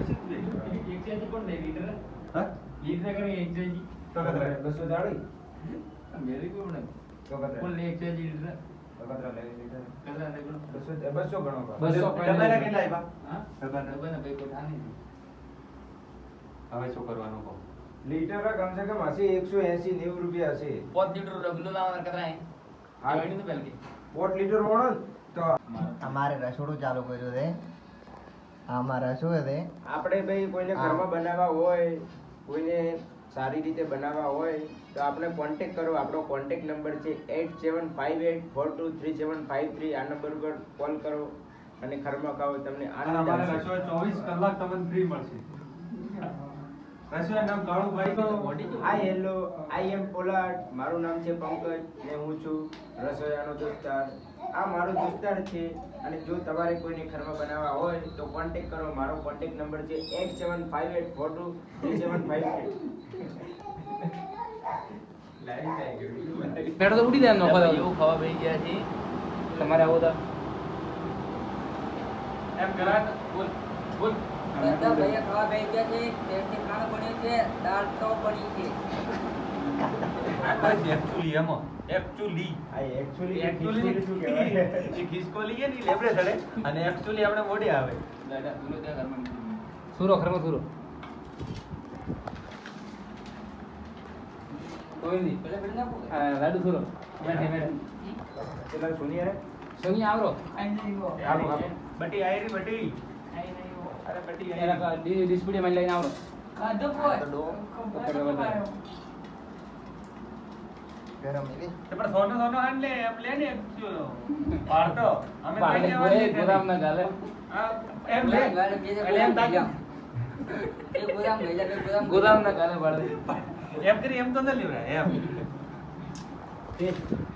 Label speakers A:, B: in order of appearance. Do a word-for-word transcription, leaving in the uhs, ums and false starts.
A: Exchange कौन दे litre
B: हां
A: लीटर करेंगे एक्सचेंज
B: तो कतरा
C: બસો ચાળી
A: मेरे को नहीं
C: તો કતરા
A: कौन ले एक्सचेंज लीटर
C: તો કતરા લઈ લીધા
A: कतरा देखो
C: બસો બસો ગણો બા
A: બસો
B: તમારા કેટલા આવ્યા
A: हां
B: ડબ્બાના
A: डब्बा ना भाई को ठाने
B: હવે શું કરવાનું કહો
C: લીટર કમ સે કમ હશે એકસો એંસી નેવું રૂપિયા હશે
A: पाँच लीटर डब्लू लावा कतरा है
C: हाँ।
A: गाड़ी तो पहल के
C: પોટ લીટર વણો ને તો
D: અમારે રસોડું ચાલુ કર્યું છે આમાં રસોઈ છે
C: આપણે ભાઈ કોઈને
D: હા.
C: ઘરમાં બનાવવા હોય કોઈને સારી રીતે બનાવવા હોય તો આપણે કોન્ટેક્ટ કરો આપણો કોન્ટેક્ટ નંબર છે eight seven five eight four two three seven five three આ નંબર પર કોલ કરો અને ઘરમાં ખાઓ તમને
B: અને
C: આનંદ
B: અમારે
C: આવશે.
B: રસોઈ ચોવીસ કલાક તમને ફ્રી મળશે રસોઈ નામ કાળુભાઈ તો
C: હાય હેલો આઈ એમ પોલાડ મારું નામ છે પંકજ ને હું છું રસોઈયાનો દોસ્તાર આ મારો દોસ્તાર છે અને જો તમારે કોઈને ઘરમાં બનાવવા હોય તો કોન્ટેક્ટ કરો મારો કોન્ટેક્ટ નંબર છે eight seven five eight four two three seven five three
A: પેડ તો ઉડી દે નો ખાવા એવું ખાવા બેહી ગયા છે તમારે આવો તા
B: એમ કરાટ બોલ બોલ
E: બધા ભૈયા ખાવા બેસી ગયા છે ટેસ્ટી ખાણું બન્યું છે દાળ તો બની છે
B: એકચ્યુઅલી એમાં એકચ્યુઅલી
C: આ એકચ્યુઅલી
B: એકચ્યુઅલી
C: શું કહેવાય
B: એ ખિસકોલી છે ને ઈ લેબડે ચડે અને એકચ્યુઅલી આપણે મોઢે આવે
A: દાદા તુલો ત્યાં ઘરમાં સુરો ઘરમાં સુરો કોઈ નહીં
E: પેલા પેલા નાખો
A: આ લાડુ સુરો બેઠે બેઠે
C: પેલા સુનિયર
A: સોની આવરો
C: આવો આવો
B: બટી આયરી બટી અરે બટી
A: એના કા ડિસ્પ્લે માં લઈને આવરો
E: ખાધો કોઈ
C: તો ડો
A: પકડો વધારે
D: ગરમ એવી
B: તે પણ સોનો સોનો હાન લે એમ લે ને પાડતો અમે
A: પાડે
B: કઈ
A: ગોળે
B: લેવાની
A: ગોદામ ના ગાલે
B: હા, એમ લે
E: ગાલે બે
B: એટલે એમ તાકી
E: એક ગોદામ લઈ જા બે ગોદામ
A: ગોદામ ના ગાલે પાડે
B: એમ કરી એમ તો ન લેવરાય એમ
C: ટેસ્ટ